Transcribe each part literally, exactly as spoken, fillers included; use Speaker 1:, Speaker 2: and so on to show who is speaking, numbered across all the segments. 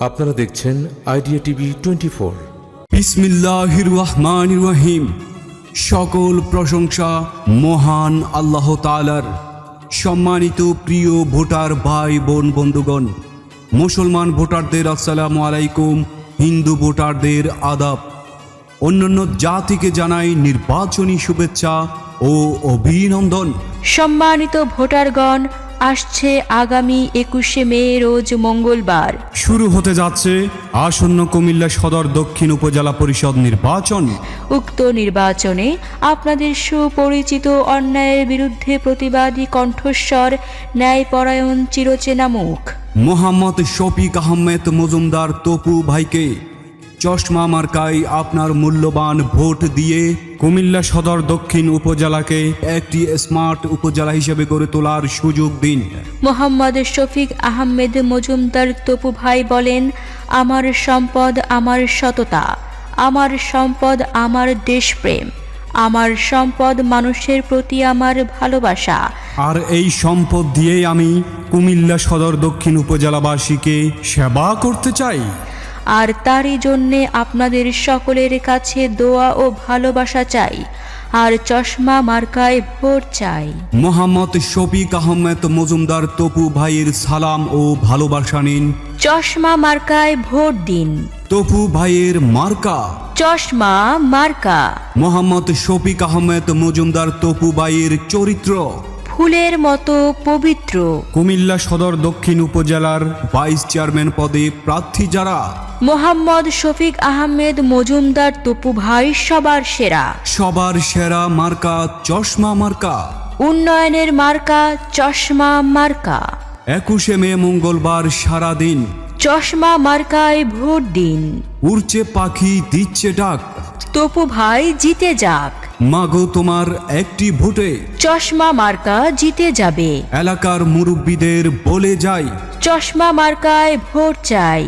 Speaker 1: আপনারা দেখছেন idea TV twenty four.
Speaker 2: বিসমিল্লাহির রহমানির রহিম। সকল প্রশংসা মহান আল্লাহ তাআলার। সম্মানিত প্রিয় ভোটার ভাই বোন বন্ধুগণ, মুসলমান ভোটারদের আসসালামু আলাইকুম, হিন্দু ভোটারদের আদাব। অন্যান্য জাতিকে জানাই নির্বাচনী শুভেচ্ছা ও অভিনন্দন।
Speaker 3: সম্মানিত ভোটারগণ, আসছে আগামী একুশে মে রোজ মঙ্গলবার
Speaker 2: শুরু হতে যাচ্ছে আসন্ন কুমিল্লা সদর দক্ষিণ উপজেলা পরিষদ নির্বাচন।
Speaker 3: উক্ত নির্বাচনে আপনাদের সুপরিচিত অন্যায়ের বিরুদ্ধে প্রতিবাদী কণ্ঠস্বর, ন্যায়পরায়ণ চিরচেনা মুখ
Speaker 2: মোহাম্মদ শফিক আহমেদ মজুমদার তপু ভাইকে চশমা মার্কায় আপনার মূল্যবান ভোট দিয়ে কুমিল্লা সদর দক্ষিণ উপজেলাকে একটি স্মার্ট উপজেলা হিসেবে গড়ে তোলার সুযোগ দিন।
Speaker 3: মোহাম্মদ শফিক আহমেদ মজুমদার তপু ভাই বলেন, আমার সম্পদ আমার সততা, আমার সম্পদ আমার দেশপ্রেম, আমার সম্পদ মানুষের প্রতি আমার ভালোবাসা।
Speaker 2: আর এই সম্পদ দিয়েই আমি কুমিল্লা সদর দক্ষিণ উপজেলাবাসীকে সেবা করতে চাই।
Speaker 3: আর তারই জন্যে আপনাদের সকলের কাছে দোয়া ও ভালোবাসা চাই, আর চশমা মার্কায় ভোট চাই।
Speaker 2: মোহাম্মদ শফিক আহমেদ মজুমদার তপু ভাইয়ের সালাম ও ভালোবাসা নিন।
Speaker 3: চশমা মার্কায় ভোট দিন।
Speaker 2: তপু ভাইয়ের মার্কা
Speaker 3: চশমা মার্কা।
Speaker 2: মোহাম্মদ শফিক আহমেদ মজুমদার তপু ভাইয়ের চরিত্র
Speaker 3: ফুলের মতো পবিত্র।
Speaker 2: কুমিল্লা সদর দক্ষিণ উপজেলার ভাইস চেয়ারম্যান পদে প্রার্থী যারা,
Speaker 3: মোহাম্মদ শফিক আহমেদ মজুমদার তপু ভাই সবার সেরা।
Speaker 2: সবার সেরা মার্কা চশমা মার্কা।
Speaker 3: উন্নয়নের মার্কা চশমা মার্কা।
Speaker 2: একুশে মে মঙ্গলবার সারাদিন
Speaker 3: চশমা মার্কায় ভোট দিন।
Speaker 2: উড়ছে পাখি দিচ্ছে ডাক,
Speaker 3: তপু ভাই জিতে যাক।
Speaker 2: মাগো তোমার একটি ভোটে
Speaker 3: চশমা মার্কা জিতে যাবে।
Speaker 2: এলাকার মুরব্বীদের বলে যাই,
Speaker 3: চশমা মার্কায় ভোট চাই।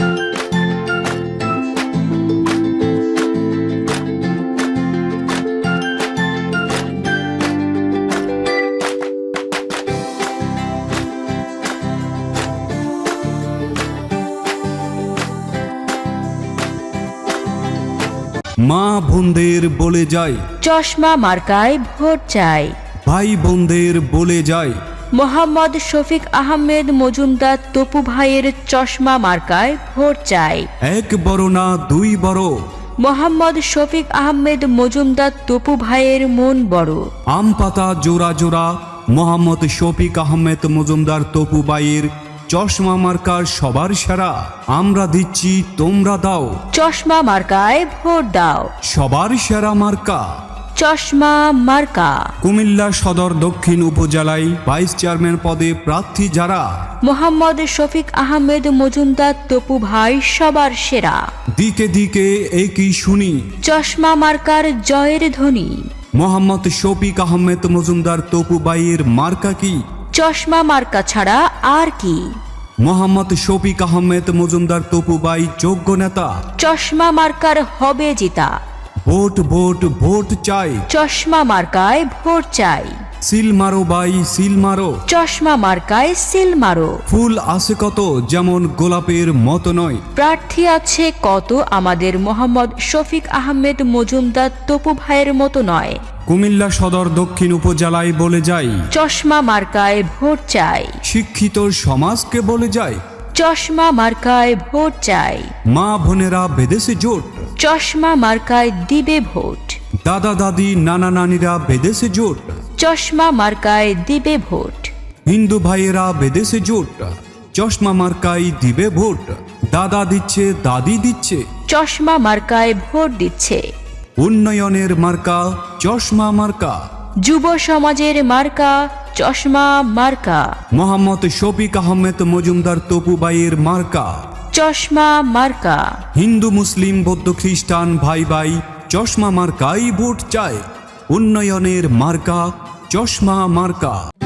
Speaker 2: মা বোনদের বলে যাই,
Speaker 3: চশমা মার্কায় ভোট চাই।
Speaker 2: ভাই বোনদের বলে যাই,
Speaker 3: মোহাম্মদ শফিক আহমেদ মজুমদার তপু ভাইয়ের চশমা মার্কায় ভোট চাই।
Speaker 2: এক বড় না দুই বড়,
Speaker 3: মোহাম্মদ শফিক আহমেদ মজুমদার তপু ভাইয়ের মন বড়।
Speaker 2: আম পাতা জোড়া জোড়া মোহাম্মদ শফিক আহমেদ মজুমদার তপু ভাইয়ের চশমা মার্কার সবার সেরা। আমরা দিচ্ছি তোমরা দাও,
Speaker 3: চশমা মার্কায় ভোট দাও।
Speaker 2: সবার সেরা মার্কা
Speaker 3: চশমা মার্কা।
Speaker 2: কুমিল্লা সদর দক্ষিণ উপজেলায় ভাইস চেয়ারম্যান পদে প্রার্থী যারা,
Speaker 3: মোহাম্মদ শফিক আহমেদ মজুমদার তপু ভাই সবার সেরা।
Speaker 2: দিকে দিকে একই শুনি
Speaker 3: চশমা মার্কার জয়ের ধ্বনি।
Speaker 2: মোহাম্মদ শফিক আহমেদ মজুমদার তপু ভাইয়ের মার্কা কি?
Speaker 3: চশমা মার্কা ছাড়া আর কি?
Speaker 2: মোহাম্মদ শফিক আহমেদ মজুমদার তপু ভাই যোগ্য নেতা।
Speaker 3: চশমা মার্কার হবে জিতা।
Speaker 2: ভোট ভোট ভোট চাই,
Speaker 3: চশমা মার্কায় ভোট চাই।
Speaker 2: সিল মারো ভাই সিল মারো,
Speaker 3: চশমা মার্কায় সিল মারো।
Speaker 2: ফুল আছে কত যেমন গোলাপের মতো নয়,
Speaker 3: প্রার্থী আছে কত আমাদের মোহাম্মদ শফিক আহমেদ মজুমদার তপু ভাইয়ের মতো নয়।
Speaker 2: কুমিল্লা সদর দক্ষিণ উপজেলায় বলে যাই,
Speaker 3: চশমা মার্কায় ভোট চাই।
Speaker 2: শিক্ষিত সমাজকে বলে যাই,
Speaker 3: চশমা মার্কায় ভোট চাই।
Speaker 2: মা বোনেরা বেঁধেছে জোট,
Speaker 3: চশমা মার্কায় দিবে ভোট।
Speaker 2: দাদা দাদি নানা নানিরা বেঁধেছে জোট,
Speaker 3: চশমা মার্কায় দিবে ভোট।
Speaker 2: হিন্দু ভাইয়েরা বেঁধেছে জোট, চশমা মার্কায় দিবে ভোট। দাদা দিচ্ছে দাদি দিচ্ছে,
Speaker 3: চশমা মার্কায় ভোট দিচ্ছে।
Speaker 2: উন্নয়নের মার্কা চশমা মার্কা।
Speaker 3: যুব সমাজের মার্কা চশমা মার্কা।
Speaker 2: মোহাম্মদ শফিক আহমেদ মজুমদার তপু ভাইয়ের মার্কা
Speaker 3: চশমা মার্কা।
Speaker 2: হিন্দু মুসলিম বৌদ্ধ খ্রিস্টান ভাই ভাই চশমা মার্কাই ভোট চায়। উন্নয়নের মার্কা চশমা মার্কা।